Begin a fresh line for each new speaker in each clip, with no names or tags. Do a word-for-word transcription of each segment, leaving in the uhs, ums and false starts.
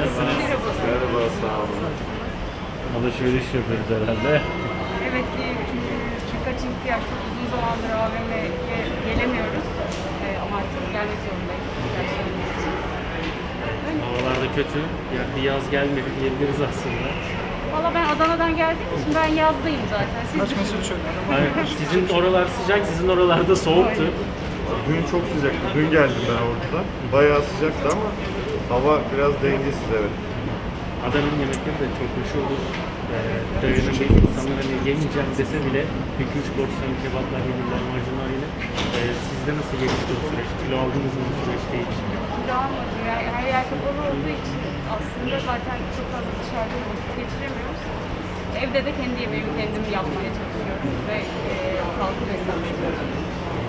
Nasılsınız?
Merhaba, sağ olun.
Alışveriş yapıyoruz herhalde.
Evet ki birkaç ihtiyaç çok uzun zamandır A V M'ye gelemiyoruz. Ee, ama artık gelmek zorundayız ihtiyaçlarımız için. Öyle.
Havalar da kötü. Ya bir yaz gelmedi diyebiliriz aslında.
Valla ben Adana'dan geldiğim için ben yazdayım zaten. Siz düşünün.
Yani sizin oralar sıcak, sizin oralarda soğuktu.
Dün çok sıcaktı. Dün geldim ben orada. Bayağı sıcaktı ama hava biraz dengesiz, evet.
Adana'nın yemekleri de çok hoş olur. Ee, dayanıklı insanlar hani yemeyeceğim dese bile iki üç porsiyon kebaplar yenirler marjinaliyle. Ee, sizde nasıl geçti o süreç? Kilo aldınız mı bu süreçte hiç?
Kilo almadım. Yani her yer kapalı olduğu için aslında zaten çok fazla dışarıda vakit geçiremiyoruz. Evde de kendi yemeğimi kendim yapmaya çalışıyorum ve e, sağlıklı beslenmeye çalışıyorum.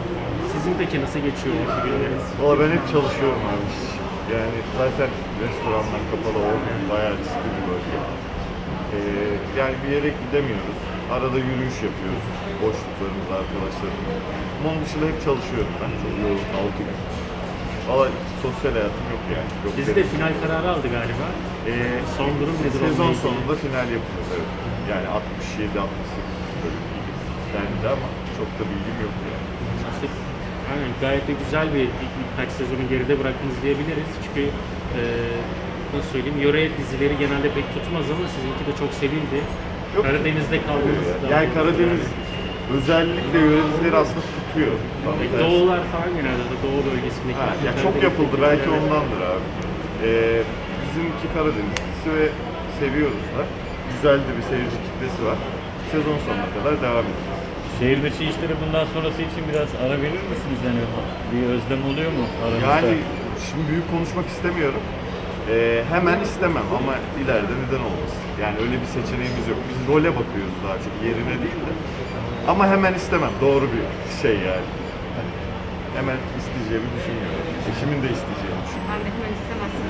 Sizin peki nasıl geçiyor bu günleriniz?
Valla ben hep çalışıyorum abi. Yani zaten restoranlar kapalı, olmuyor. Bayağı riskli bir bölge. Ee, yani bir yere gidemiyoruz. Arada yürüyüş yapıyoruz. Boşluklarımız, arkadaşlarımız. Onun dışında hep çalışıyorum ben. Çok yoğun, altı gün. Valla sosyal hayatım yok yani. Yok
Dizi de
benim.
final kararı aldı galiba. Ee, son durum nedir?
Sezon
onunla ilgili?
sonunda final yapıyoruz, evet. Yani altmış yedi altmış sekiz bölüm dendi ama çok da bilgim yok yani.
İşte, aynen, gayet de güzel bir ilk- birkaç sezonu geride bıraktınız diyebiliriz. Çünkü e, nasıl söyleyeyim, yöre dizileri genelde pek tutmaz ama sizinki de çok sevildi.
Yok,
Karadeniz'de kaldınız.
Yani,
daha
yani
doğrusu
Karadeniz özellikle yöre dizileri aslında tutuyor. Tam
yani.
tersi.
Doğular falan genelde de Doğu bölgesindeki.
Ha, ya çok yapıldı, belki ondandır abi. Ee, bizimki Karadeniz dizisi ve seviyoruz da. Güzel de bir seyirci kitlesi var. Sezon sonuna kadar devam edeceğiz.
Şehir dışı işleri bundan sonrası için biraz ara verir misiniz? Yani bir özlem oluyor mu aranızda?
Yani şimdi büyük konuşmak istemiyorum. Ee, hemen istemem ama ileride neden olmasın? Yani öyle bir seçeneğimiz yok. Biz role bakıyoruz daha çok, yerine değil de. Ama hemen istemem, doğru bir şey yani. Hani hemen isteyeceğimi düşünmüyorum. Eşimin de isteyeceğini düşünüyorum.
Ben de hemen istemezsin.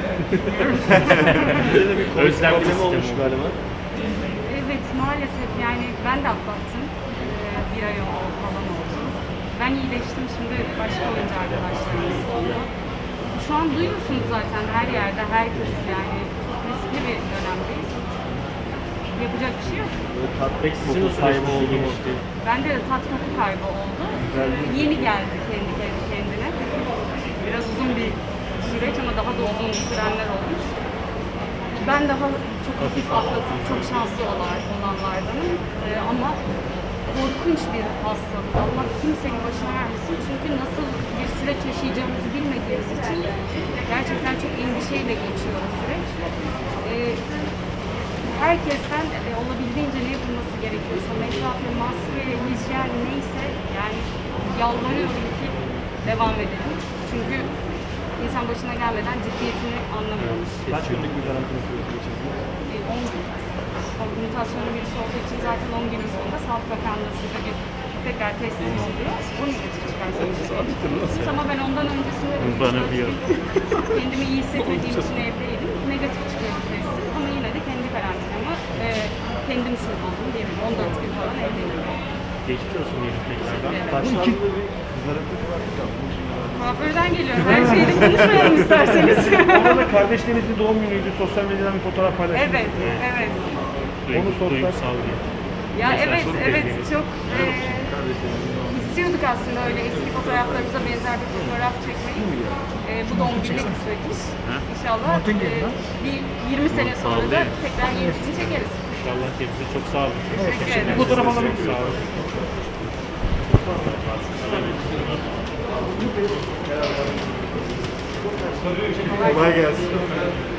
Özlemli mi olmuş
galiba?
Evet, maalesef yani ben de atlattım. Ee, bir ay oldu falan oldu. Ben iyileştim, şimdi başka oyuncu arkadaşlarımız oldu. Şu an duyuyorsunuz zaten her yerde, herkes yani çok riskli bir dönemdeyiz. Yapacak bir şey yok.
Peki sizin o süreç nasıl gelişti?
Bende de tat koku kaybı oldu. Ee, yeni geldi kendi kendi kendine. Biraz uzun bir süreç ama daha da uzun sürenler olmuş. Ben daha çok hafif atlatıp çok şanslı olan, olanlardanım. Ee, ama korkunç bir hastalık. Allah kimsenin başına vermesin. Çünkü nasıl bir süreç yaşayacağımızı bilmediğimiz için gerçekten çok endişeyle geçiyor o süreç. Ee, herkesten e, olabildiğince ne yapılması gerekiyorsa mesafe, maske, hijyen neyse yani yalvarıyorum ki devam edelim. Çünkü insan başına gelmeden ciddiyetini anlamıyormuş.
Kaç günlük bir karantina süreci geçirdiniz?
E, on gün. Mutasyonun birisi olduğu için zaten on günün sonunda Sağlık Bakanlığı size bir tekrar testiniz oluyor. on negatif çıkarsanız. Ama ben ondan öncesinde de
Bana bir yok.
kendimi iyi hissetmediğim için evdeydim. Negatif çıkıyordu testim ama yine de kendi karantinamı e, kendim sürdürdüm diyebilirim. on dört gün falan evdeydim.
Geçmiş olsun diyelim tekrardan.
Taşlandığı bir kızarıklık var mı?
Kuaförden geliyorum. Her şeyi de konuşmayalım isterseniz.
Orada kardeşlerinizin doğum günüydü. Sosyal medyadan bir fotoğraf paylaştınız.
Evet, evet.
Onu sorsak-
Duygusal bir.
Ya
Mesela
evet,
çok
evet
beğeniyorum.
çok e, istiyorduk aslında öyle eski fotoğraflarımıza benzer bir fotoğraf çekmeyi. E, bu doğum gününe kısmetmiş. İnşallah e, bir yirmi sene sonra da tekrar yenisini çekeriz.
İnşallah kendinize çok sağ olun.
Teşekkür ederim.
Fotoğraf alabilir
Çok sağ olun.
Kolay gelsin.